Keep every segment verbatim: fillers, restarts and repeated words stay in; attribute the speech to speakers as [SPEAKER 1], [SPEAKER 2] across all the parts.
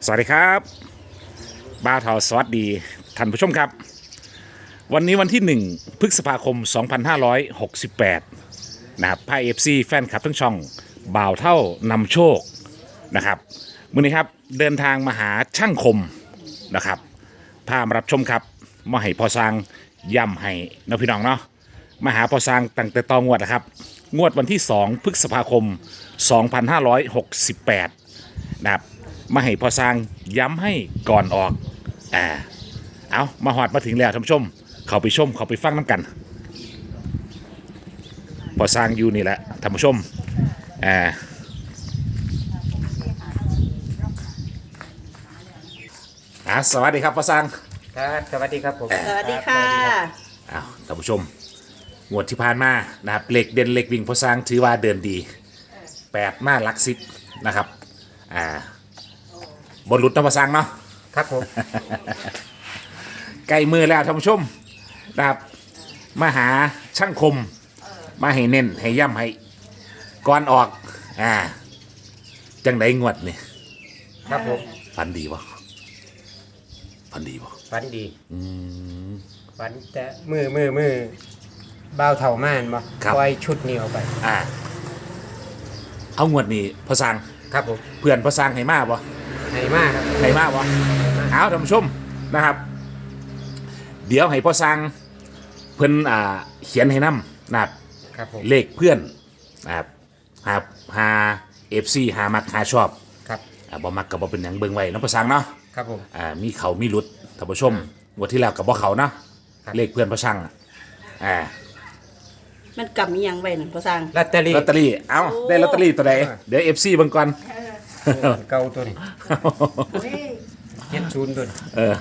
[SPEAKER 1] สวัสดีครับบ้าทอสวัสดีท่านผู้ชมครับวันนี้วันที่หนึ่งพฤษภาคมสองพันห้าร้อยหกสิบแปดนะครับพายเอฟซีแฟนคลับทั้งช่องบ่าวเท่านำโชคนะครับมื้อนี้ครับเดินทางมาหาช่างคมนะครับพามารับชมครับมาให้พอสร้างย่ำให้น้องพี่น้องเนาะมาหาพอสร้างตั้งแต่ตองวดนะครับงวดวันที่สองพฤษภาคมสองพันห้าร้อยหกสิบแปดนะครับมาให้พอสร้างย้ำให้ก่อนออกอ่าเอามาหอดมาถึงแล้วท่านผู้ชมเขาไปชมเขาไปฟังน้ำกันพอสร้างอยู่นี่แหละท่านผู้ชมอ่าอ่าสวัสดีครับพอสร้าง
[SPEAKER 2] ครับสวัสดีครับผม
[SPEAKER 3] สวัสดีค่ะ
[SPEAKER 1] อ้าวท่านผู้ชมงวดที่ผ่านมานะครับเหล็กเด่นเหล็กวิ่งพอสร้างถือว่าเดินดีแปดมาหลักสิบนะครับอ่าบนรุดน้ำพอสร้างเนาะ
[SPEAKER 2] ครับผม
[SPEAKER 1] ใกล้มือแล้วท่านผู้ชมนะครับมาหาช่างคมมาให้เน้นให้ย่ำให้ก่อนออกอ่าจังไดงวดนี่
[SPEAKER 2] ครับผม
[SPEAKER 1] ฟันดีบ่ฟันดีบ่
[SPEAKER 2] ฝันดีฝันแต่มือมือมือเบาเท่าม่านบ่ปล่อยชุดนี้ออกไป
[SPEAKER 1] อ่าเอางวดนี้พอสร้าง
[SPEAKER 2] ครับผม
[SPEAKER 1] เพื่อนพอสร้างให้มาบ่
[SPEAKER 2] ไหนมากครับ
[SPEAKER 1] ให้มาบ่เอาท่านผู้ชมนะครับ เดี๋ยวให้พอสร้างเพิ่นอ่าเขียนให้นํนะครับ
[SPEAKER 2] ครับผม
[SPEAKER 1] เลขเพื่อนนะครับหาหาเอฟซีหามักหาชอบ
[SPEAKER 2] ครับ
[SPEAKER 1] อ่าบ่มักกับบ่เป็นหยังเบิ่งไว้เน้องประสังเนาะ
[SPEAKER 2] ครับผม
[SPEAKER 1] อ่ามีเขามีหลุดท่านผู้ชมงวดที่แล้วกับบ่เขาเนาะ
[SPEAKER 2] ครับ
[SPEAKER 1] เลขเพื่อนประสังอ่า
[SPEAKER 3] มันกำมีหยังไว้หนึ่งพอสร้าง
[SPEAKER 2] ลอตเตอรี่
[SPEAKER 1] ลอตเตอรี่เอ้าได้ลอตเตอรี่ตัวใดเดี๋ยว เอฟ ซี เบิ่งก่อน
[SPEAKER 2] เก่าตัวนี้เจ็ดศูนย์ตัวนี้
[SPEAKER 1] เออ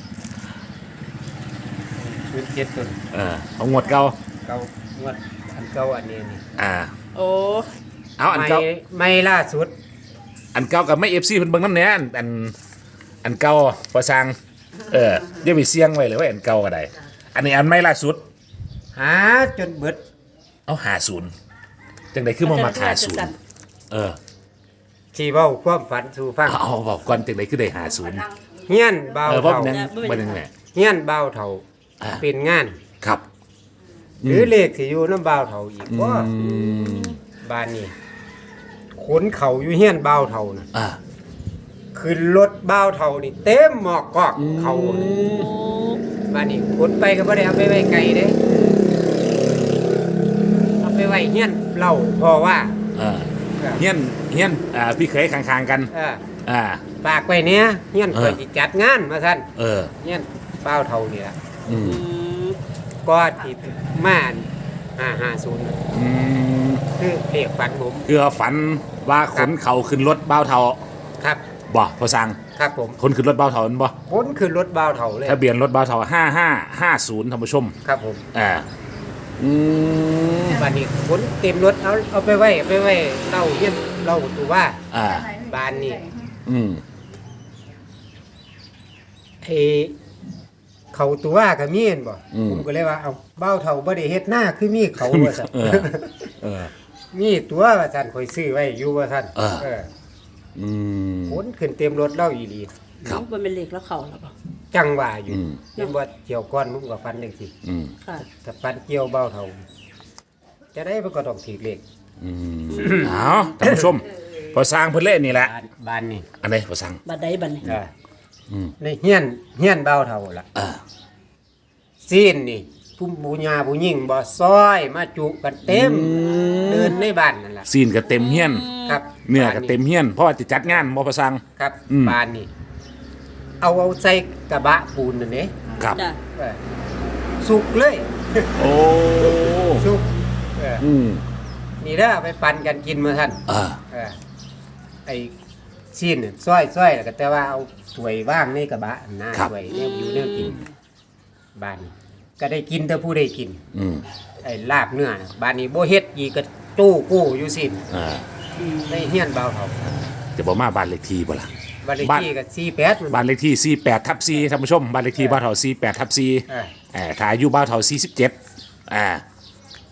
[SPEAKER 2] ศูนย์เจ็ดตัวนี้
[SPEAKER 1] เออเอางวดเก่า
[SPEAKER 2] เก่างวดอันเก่าอันนี้นี่
[SPEAKER 1] อ่า
[SPEAKER 3] โอ้
[SPEAKER 1] เอาอัน
[SPEAKER 2] ไม่
[SPEAKER 1] เก่า
[SPEAKER 2] ไม่ล่าสุด
[SPEAKER 1] อันเก่ากับไม่ เอฟ ซี เพิ่นเบิ่งนำแหน่อันอันอันเก่าประสังเอออย่าไปเสี่ยงไว้เลยว่าอันเก่าก็ได้อันนี้อันใหม่ล่าสุด
[SPEAKER 2] หาจนเบิด
[SPEAKER 1] เอาห้าสิบจังได๋คือบ่มาห้าสิบเออ
[SPEAKER 2] ที่เว้าความฝันสู่ฟัง
[SPEAKER 1] เอาบอกก่อนจังไดคือได้ห้าสิบ
[SPEAKER 2] เฮียนเบา
[SPEAKER 1] เออเพราะ
[SPEAKER 2] เท่า
[SPEAKER 1] มันยังมันยังไง
[SPEAKER 2] เฮียนเบาเท่า
[SPEAKER 1] อ่า
[SPEAKER 2] เป็นงาน
[SPEAKER 1] ครับ
[SPEAKER 2] หรือเลขที่อยู่น้ำบ่าวเท่าอีกว่าบ้านนี้ขนเขาอยู่เฮียนบ่าวเท่านะ
[SPEAKER 1] อ่า
[SPEAKER 2] ขึ้นรถบ่าวเท่านี่เต็มหมอกกอกเขาน่ะบ้านนี้ขนไปก็บ่ได้เอาไปไว้ไกลเด้เอาไปไว้เฮียนเล่าพอว่า
[SPEAKER 1] อ่าเฮียนเฮียนอ่าพี่เคยข้างๆกัน
[SPEAKER 2] เออ
[SPEAKER 1] อ่า
[SPEAKER 2] ฝากไว้เนี้ยเฮียน
[SPEAKER 1] เออ
[SPEAKER 2] เปิดสิจัดงานมาท่าน
[SPEAKER 1] เออ
[SPEAKER 2] เฮียนบ่าวเท่านี่ล่ะ
[SPEAKER 1] อืม
[SPEAKER 3] อืม
[SPEAKER 2] ก็ที่มาห้าห้าศูนย์
[SPEAKER 1] อืม
[SPEAKER 2] คือเลขฝันผม
[SPEAKER 1] คือฝันว่าขนเขาขึ้นรถเบ้าเทา
[SPEAKER 2] ครับ
[SPEAKER 1] บ่พอสั่ง
[SPEAKER 2] ครับผม
[SPEAKER 1] คนขึ้นรถเบ้าเทานั่นบ่
[SPEAKER 2] ขนขึ้นรถบ่าวเท่าเลย
[SPEAKER 1] ทะเบียนรถเบ้าเทาห้าห้าห้าศูนย์ท่านผู้ชม
[SPEAKER 2] ครับผม
[SPEAKER 1] อ่าอืม
[SPEAKER 2] บ้านนี้ขนเต็มรถเอาเอาไปไว้เอาไปไว้เล่าเยี่ยนเล่าตัวว่า
[SPEAKER 1] อ่า
[SPEAKER 2] บ้านนี้
[SPEAKER 1] อืม
[SPEAKER 2] ไอ้เขาตัวว่าก็มีเห็นบ่ผมก็เลยว่าเอาเบ้าเท่าบ่ได้เฮ็ดหน้าคือมีเขาว่าซั่น
[SPEAKER 1] เออเออ
[SPEAKER 2] มีตัวว่าซั่นข่อยซื้อไว้อยู่ว่าซั่น
[SPEAKER 1] เออ
[SPEAKER 2] เออ
[SPEAKER 1] อืม
[SPEAKER 2] ขนขึ้นเต็มรถเล่าอีหลี
[SPEAKER 1] ครับ
[SPEAKER 3] มันเป็นเหล็กแล้วเข่าหรอเปล่า
[SPEAKER 2] จังว่าอยู่
[SPEAKER 1] อืม
[SPEAKER 2] เห็นว่าเกี่ยวก้อนผมก็ฟันจังซี่
[SPEAKER 1] อืม
[SPEAKER 3] ค่ะ
[SPEAKER 2] ถ้าฟันเกี่ยวเบ้าเท่าจะได้มันก็ต้องถูกเลข
[SPEAKER 1] อืมเอาท่านผู้ชมพอสร้างเพิ่นเล่นนี่แหละ
[SPEAKER 2] บ้านบ้านนี่
[SPEAKER 1] อันไหนพอสร้าง
[SPEAKER 3] บัดใดบัดนี้
[SPEAKER 2] เอออในเฮียนเฮียนเบ้าเท่าล่ะ
[SPEAKER 1] อ่า
[SPEAKER 2] ซีนนี่ผู้บูญาผู้หญิงบ่ซอยมาจุกันเต็มเดินในบ้านนั่นล่ะ
[SPEAKER 1] ซีนก็เต็มเฮียน
[SPEAKER 2] ครับ
[SPEAKER 1] เนื้อก็เต็มเฮียนเพราะว่าจะจัดงานบ่พอสร้าง
[SPEAKER 2] ครับ
[SPEAKER 1] อืม
[SPEAKER 2] บ้านนี่เอาเอาใส่กระบะปูนนั่นเด้
[SPEAKER 1] ครับ
[SPEAKER 3] จ้ะ
[SPEAKER 2] เออสุกเลย
[SPEAKER 1] โอ้
[SPEAKER 2] สุกเออ
[SPEAKER 1] อืม
[SPEAKER 2] นี่เด้อเอาไปปั่นกันกินมาท่าน
[SPEAKER 1] อ่า
[SPEAKER 2] เออไอ้ซีนน่ะซอยซอยแล้วก็แต่ว่าเอาถ้วยว่างในกระบะนะถ้วยเนี่ยอยู่เนี่ยกินบ้านนี่ก็ได้กินแต่ผู้ได้กิน
[SPEAKER 1] อืม
[SPEAKER 2] ไอ้ลาบเนื้อน่ะบ้านนี้บ่เฮ็ดอีกก็ตู้กู้อยู่สิ
[SPEAKER 1] อ่า
[SPEAKER 2] ในเฮียนเบาเขา
[SPEAKER 1] จะบอกมาบ้านเลขที่บ่ล่ะ
[SPEAKER 2] บ้านเลข
[SPEAKER 1] บ้าน
[SPEAKER 2] ที่ก็สี่แปดมัน
[SPEAKER 1] บ้านเลขที่สี่แปดทับสี่ท่านผู้ชมบ้านเลขที่บ้านเถาสี่แปดทับสี่
[SPEAKER 2] เออ
[SPEAKER 1] อ่าถ้าอายุบ้านเถาสี่สิบเจ็ดอ่า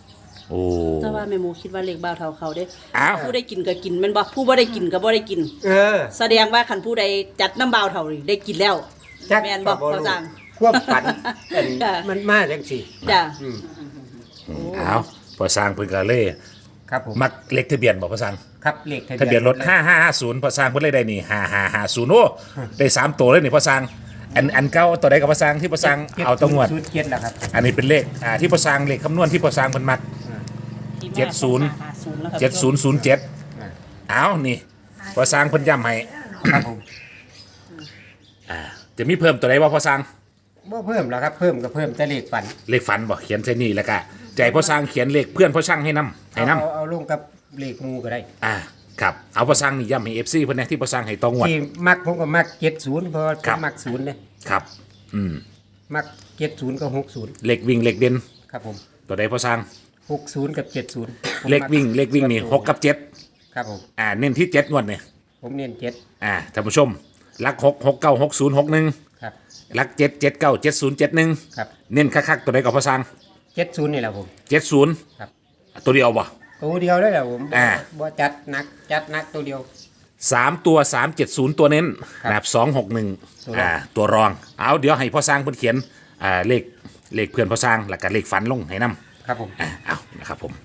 [SPEAKER 1] โอ้
[SPEAKER 3] แต่ว่าแม่หมูคิดว่าเลขบ่าวเท่าเขาเด้
[SPEAKER 1] อ้าว
[SPEAKER 3] ผู้ได้กินก็กินแม่นบ่ผู้บ่ได้กินก็บ่ได้กิน
[SPEAKER 2] เออ
[SPEAKER 3] แสดงว่าคันผู้ใดจัดน้ำบ่าวเท่านี่ได้กินแล้ว
[SPEAKER 2] จัก
[SPEAKER 3] แม่นบ่
[SPEAKER 2] ก็
[SPEAKER 3] เขาสั่ง
[SPEAKER 2] ควบฝันเป็น
[SPEAKER 3] จ้ะ
[SPEAKER 2] มันมาจังซี่
[SPEAKER 3] จ้ะ
[SPEAKER 2] อืม
[SPEAKER 1] เอาพอสร้างเพิ่นก็เลย
[SPEAKER 2] ครับผม
[SPEAKER 1] มักเลขทะเบียนบ่พอสร้าง
[SPEAKER 2] ครับเลข
[SPEAKER 1] ทะเบียนรถห้าห้าห้าศูนย์พอสร้างเพิ่นเลยได้นี่ห้าห้าห้าศูนย์โอ้ได้สามตัวเลยนี่พอสร้างอันอันเก่าตัวใดกับพอสร้างที่พอสร้างเอาตัวงวด
[SPEAKER 2] ชุดเจ็ดแล้วครับ
[SPEAKER 1] อันนี้เป็นเลขอ่าที่พอสร้างเลขคำนวณที่พอสร้างเพิ่นมัก เจ็ดศูนย์ เจ็ดศูนย์ศูนย์เจ็ด
[SPEAKER 2] อ่า
[SPEAKER 1] เอานี่พอสร้างเพิ่นย้ำให้
[SPEAKER 2] ครับผม
[SPEAKER 1] อ่าจะมีเพิ่มตัวใดบ่พอสร้าง
[SPEAKER 2] บ่เพิ่มแล้วครับเพิ่มก็เพิ่มแต่เลขฝัน
[SPEAKER 1] เลขฝันบ่เขียนใส่นี่แล้วก็ใจพอสร้างเขียนเลขเพื่อนพอช่างให้นํให้นํ
[SPEAKER 2] เอาเอาลงกับเลขหมูก็ได้
[SPEAKER 1] อ่าครับเอาพอสร้างนี่ย้ำให้ เอฟ ซี เพิ่นนะที่พอสร้างให้ตองวด
[SPEAKER 2] ที่มักผมก็มักเจ็ดศูนย์เพราะว่าผ
[SPEAKER 1] ครั
[SPEAKER 2] ม
[SPEAKER 1] บ
[SPEAKER 2] มักศูนย์เนี่ย
[SPEAKER 1] ครับอืม
[SPEAKER 2] มักเจ็ดศูนย์กับหกศูนย์
[SPEAKER 1] เลขวิ่งเลขเด่น
[SPEAKER 2] ครับผม
[SPEAKER 1] ตัวใดพอสร้าง
[SPEAKER 2] หกศูนย์กับเจ็ดศูนย์
[SPEAKER 1] เลขวิ่งเลขวิ่งนี่หกกับเจ็ด
[SPEAKER 2] ครับผม
[SPEAKER 1] อ่าเน้นที่เจ็ดงวดเนี่ย
[SPEAKER 2] ผมเน้นเจ็ด
[SPEAKER 1] อ่าท่านผู้ชมลักหกหกเก้าหกศูนย์หกหนึ่ง
[SPEAKER 2] ครับ
[SPEAKER 1] ลักเจ็ดเจ็ดเก้าเจ็ดศูนย์เจ็ดหนึ่ง
[SPEAKER 2] ครับ
[SPEAKER 1] เน้นคักๆตัวใดกับพอสร้าง
[SPEAKER 2] เจ็ดศูนย์นี่แหละผม
[SPEAKER 1] เจ็ดศูนย์
[SPEAKER 2] ครับ
[SPEAKER 1] ตัวเดียวบ่
[SPEAKER 2] ตัวเดียวเลยแหละผม
[SPEAKER 1] อ่า
[SPEAKER 2] บ่จัดหนักจัดหนักตัวเดียว
[SPEAKER 1] สามตัวสามเจ็ดศูนย์ตัวเน้น
[SPEAKER 2] ครับ
[SPEAKER 1] แบบสองหกหนึ่ง
[SPEAKER 2] ตัวรอง
[SPEAKER 1] อ่าตัวรองเอาเดี๋ยวให้พ่อสร้างเพิ่นเขียนอ่าเลขเลขเพื่อนพ่อสร้างแล้วก็เลขฝันลงให้นํ
[SPEAKER 2] ครับผม
[SPEAKER 1] อ่าเอานะครับผม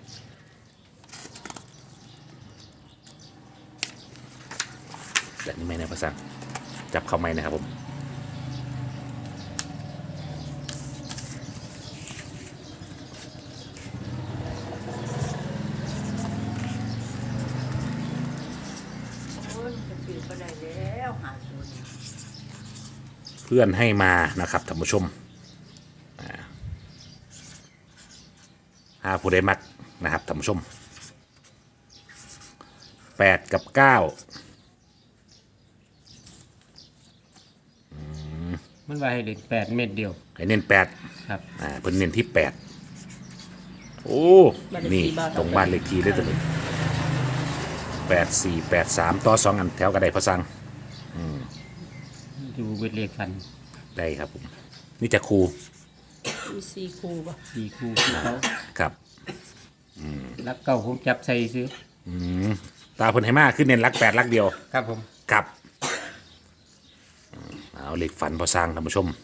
[SPEAKER 1] แบบนี้ไหมนะพ่อสร้างจับเข้าไหมนะครับผม เพื่อนให้มานะครับท่านผู้ชมอ่าหาผู้ใดมักนะครับท่านผู้ชมแปดกับเก้า
[SPEAKER 2] มันว่าให้เด็กแปดเม็ดเดียว
[SPEAKER 1] ให้เน้นแปด
[SPEAKER 2] ครับ
[SPEAKER 1] อ่าเพิ่นเน้นที่แปดโอ้
[SPEAKER 3] บ้านเลขที่
[SPEAKER 1] นี่
[SPEAKER 3] บ้านเรา
[SPEAKER 1] ตรงบ้านเลขที่เลยตัวนี้แปดสี่แปดสามต่อสองอันแถวกระไดพอสั่ง
[SPEAKER 2] ดูเวทเลขฟัน
[SPEAKER 1] ได้ครับผมนี่จะครู
[SPEAKER 3] มีสี่คู่บ่
[SPEAKER 2] สี่คู่ที่เขา
[SPEAKER 1] ครับ
[SPEAKER 2] รักเก่าผมจับใส่ซื้อ
[SPEAKER 1] อืมตาเพิ่นให้มาขึ้นเน้นรักแปดรักเดียว
[SPEAKER 2] ครับผม
[SPEAKER 1] ครับอืมเอาเหล็กฝันพอสร้างท่านผู้ชม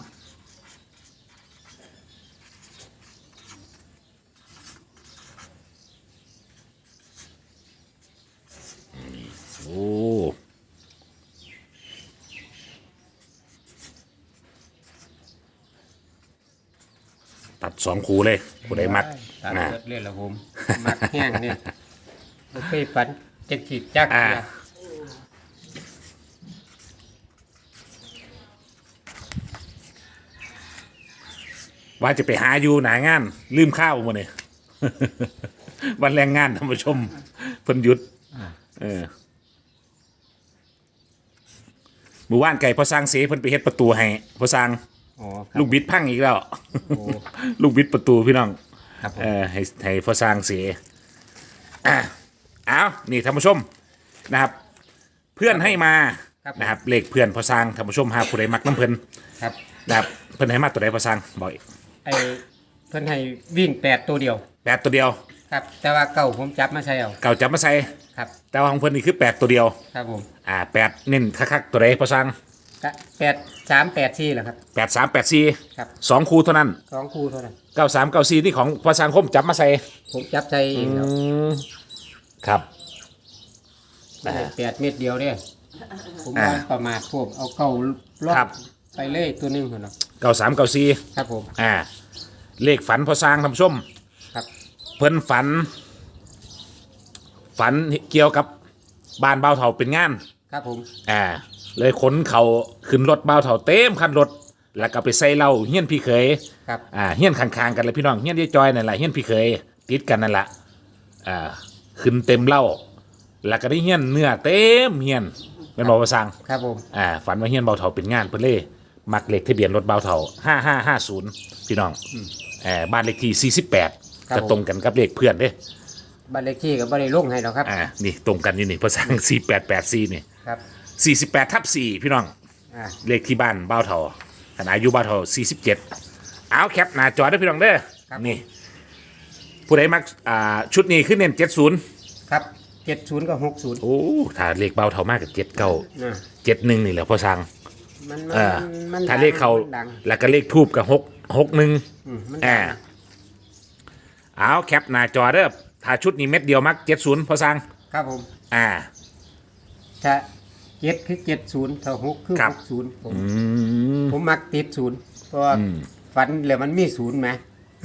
[SPEAKER 1] นี่โอ้ตัดสองคูเลยผู้ใดมัก
[SPEAKER 2] ตาม
[SPEAKER 1] นะ
[SPEAKER 2] เลือดละผมมักแห้งเนี่ยบ่เคยฝันจะขีดจัก
[SPEAKER 1] อ่า
[SPEAKER 2] เดียว
[SPEAKER 1] ว่าจะไปหาอยู่หนางาน ลืมข้าวมาเนี่ย วันแรงงานท่านผู้ชมเพิ่นหยุดเออหมู่บ้านไก่พอสร้างเสียเพิ่นไปเฮ็ดประตูให้พอสร้าง
[SPEAKER 2] อ๋อครับ
[SPEAKER 1] ลูกบิดพังอีกแล้ว
[SPEAKER 2] โอ้
[SPEAKER 1] ลูกบิดประตูพี่น้อง
[SPEAKER 2] ครับผม
[SPEAKER 1] เออให้ให้พอสร้างเสียอ่ะเอานี่ท่านผู้ชมนะครับ เพื่อนให้มานะครับเลขเพื่อนพอสร้างท่านผู้ชมหาผู้ใดมักน้ำเพิ่น
[SPEAKER 2] ครับ
[SPEAKER 1] นะครับเพิ่นให้มาตัวใดพอสร้างบอกอีก
[SPEAKER 2] ไอ้เพิ่นให้วิ่งแปดตัวเดียว
[SPEAKER 1] แปดตัวเดียว
[SPEAKER 2] ครับ แต่ว่าเก่าผมจับมาใช้เอา
[SPEAKER 1] เก่าจับมาใส่
[SPEAKER 2] ครับ
[SPEAKER 1] แต่ว่าของเพิ่นนี่คือแปดตัวเดียว
[SPEAKER 2] ครับผม
[SPEAKER 1] อ่าแปดเน้นคักๆตัวใดพอสร้าง
[SPEAKER 2] ก็แปดสามแปดสี่แหละครับ
[SPEAKER 1] แปดสามแปดสี่
[SPEAKER 2] ครับ
[SPEAKER 1] สองคู่เท่านั้น
[SPEAKER 2] สองคู่เท่านั้น
[SPEAKER 1] เก้าสามเก้าสี่นี่ของพอสร้างคมจับมาใส่
[SPEAKER 2] ผมจับใช้เองแล้ว
[SPEAKER 1] ครับ
[SPEAKER 2] ไม่ได้แปดเม็ดเดียวเนี่ยผม
[SPEAKER 1] อ่า
[SPEAKER 2] ว่าประมาทพวกเอาเก่าลบ
[SPEAKER 1] ครับ
[SPEAKER 2] ไปเลยตัวหนึงคนเนาะ
[SPEAKER 1] เก้าสามเก้าสี่
[SPEAKER 2] ครับผม
[SPEAKER 1] อ่าเลขฝันพอสร้างท่านผู้ชม
[SPEAKER 2] ครับ
[SPEAKER 1] เพิ่นฝัน ฝันเกี่ยวกับบ้านเบาวเถาเป็นงาน
[SPEAKER 2] ครับผม
[SPEAKER 1] อ่า เลยขนเขาขึ้นรถเบาวเถาเต็มคันรถ แล้วก็ไปใส่เหล้าเฮี้ยนพี่เขย
[SPEAKER 2] ครับ
[SPEAKER 1] อ่าเฮี้ยนข้างๆกันเลยพี่น้องเฮี้ยนยายจอยนั่นแหละเฮี้ยนพี่เขยติดกันนั่นแหละอ่าขึ้นเต็มเหล้าแล้วก็ได้เฮี้ยนเนื้อเต็มเฮี้ยนเป็นบอกว่าสั่ง
[SPEAKER 2] ครับผม
[SPEAKER 1] อ่าฝันว่าเฮี้ยนเบาวเถาเป็นงานเพิ่นเล่มักเลขทะเบียนรถเบาวเถาห้าห้าห้าศูนย์พี่น้องอ่าบ้านเลขที่สี่สิบแปดจะตรงกันกับเลขเพื่อนเด้
[SPEAKER 2] บ้านเลขที่ก็บ่ได้ลงให้หรอกครับ
[SPEAKER 1] อ่า นี่ตรงกันนี่นี่ภาษาสี่แปดแปดสี่นี่
[SPEAKER 2] ครับ
[SPEAKER 1] สี่สิบแปดทับสี่พี่น้อง
[SPEAKER 2] อ่า
[SPEAKER 1] เลขที่บ้านบ้าวเถาขณะอายุบ้าวเถาสี่สิบเจ็ดเอาแคปหน้าจอได้อพี่น้องเด้อนี่ผู้ใดมักอ่าชุดนี้ขึ้นเน้นเจ็ดศูนย์
[SPEAKER 2] ครับเจ็ดศูนย์กับหกศูนย์
[SPEAKER 1] โอ้ถ้าเลขเบาเท่ามากกับเจ็ดเก้า
[SPEAKER 2] อ่า
[SPEAKER 1] เจ็ดหนึ่งนี่แหละพ่อสั่ง
[SPEAKER 2] มัน
[SPEAKER 1] เออ
[SPEAKER 2] มัน
[SPEAKER 1] ถ้าเลขเขา
[SPEAKER 2] มันดัง
[SPEAKER 1] แล้วก็เลขทูบกับหกหกหนึ่ง
[SPEAKER 2] อืมมัน
[SPEAKER 1] อ่า
[SPEAKER 2] ดัง
[SPEAKER 1] เอาแคปหน้าจอเด้อถ้าชุดนี้เม็ดเดียวมักเจ็ดศูนย์พ่อสั่ง
[SPEAKER 2] ครับผม
[SPEAKER 1] อ่า
[SPEAKER 2] ถ้าเจ็ดคือเจ็ดศูนย์ถ้าหกคือ
[SPEAKER 1] ครับ
[SPEAKER 2] หกศูนย์ผม
[SPEAKER 1] อืม
[SPEAKER 2] ผมมักติดศูนย์เพราะว่าฝันแล้วมันมีศูนย์ไหม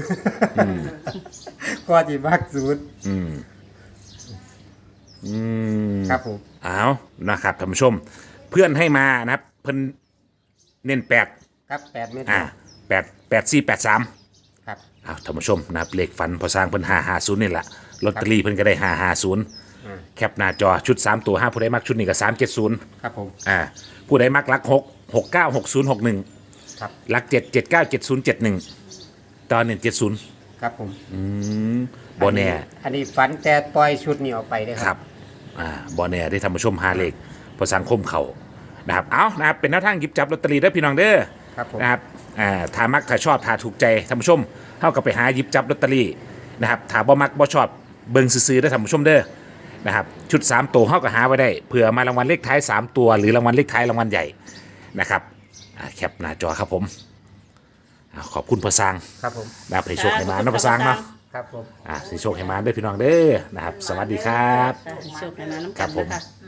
[SPEAKER 2] ก็ที่มักศูนย์
[SPEAKER 1] อืมอืม
[SPEAKER 2] ครับผม
[SPEAKER 1] เอานะครับท่านผู้ชม เพื่อนให้มานะครับ เพิ่นเน้นแปด
[SPEAKER 2] ครับแปดเมตร
[SPEAKER 1] อ่าแปดแปดสี่แปดสาม
[SPEAKER 2] ครับ
[SPEAKER 1] เอาท่านผู้ชมนะครับเลขฝันพอสร้างเพิ่นห้าห้าศูนย์นี่แหละลอตเตอรี่เพิ่นก็ได้ห้าห้าศูนย์
[SPEAKER 2] อ่า
[SPEAKER 1] แคปหน้าจอชุดสามตัวห้าผู้ใดมักชุดนี้ก็สามเจ็ดศูนย์
[SPEAKER 2] ครับผม
[SPEAKER 1] อ่าผู้ใดมักลักหกหกเก้าหกศูนย์หกหนึ่ง
[SPEAKER 2] ครับ
[SPEAKER 1] ลักเจ็ดเจ็ดเก้าเจ็ดศูนย์เจ็ดหนึ่งตอนหนึ่งเจ็ดศูนย์
[SPEAKER 2] ครับผม
[SPEAKER 1] บอแน่
[SPEAKER 2] อันนี้ฝันแต่ปล่อยชุดนี้ออกไปได้อ
[SPEAKER 1] ค
[SPEAKER 2] ค
[SPEAKER 1] รั
[SPEAKER 2] รั
[SPEAKER 1] บบ อ่าบอแน่ได้ทำผู้ชมหาเลขพอสังคมเขานะครับเอานะครับเป็นแนวทางหยิบจับลอตเตอรี่ได้อพี่น้องเด้อ
[SPEAKER 2] ครับผม
[SPEAKER 1] นะครับอ่าถ้ามักถ้าชอบถ้าถูกใจท่านผู้ชมเท่ากับไปหาหยิบจับลอตเตอรี่นะครับถ้าบ่มักบ่ชอบเบิ่งซื้อๆได้อท่านผู้ชมเด้อนะครับชุดสามตัวเท่ากับหาไว้ได้เผื่อมารางวัลเลขท้ายสามตัวหรือรางวัลเลขท้ายรางวัลใหญ่นะครับอ่าแคปหน้าจอครับผมอ่าขอบคุณพอสัง
[SPEAKER 2] ครับผม
[SPEAKER 1] นะครับให้โชคให้มาเนาะพอสังเนาะ
[SPEAKER 2] ครับผม
[SPEAKER 1] อ่าให้โชคให้มาเด้อพี่น้องเด้อนะครับ สวัสดีครับ
[SPEAKER 3] ค่ะโชคให้มาน้ำ
[SPEAKER 1] ครั
[SPEAKER 3] กับ น
[SPEAKER 1] ผม
[SPEAKER 3] นะคะ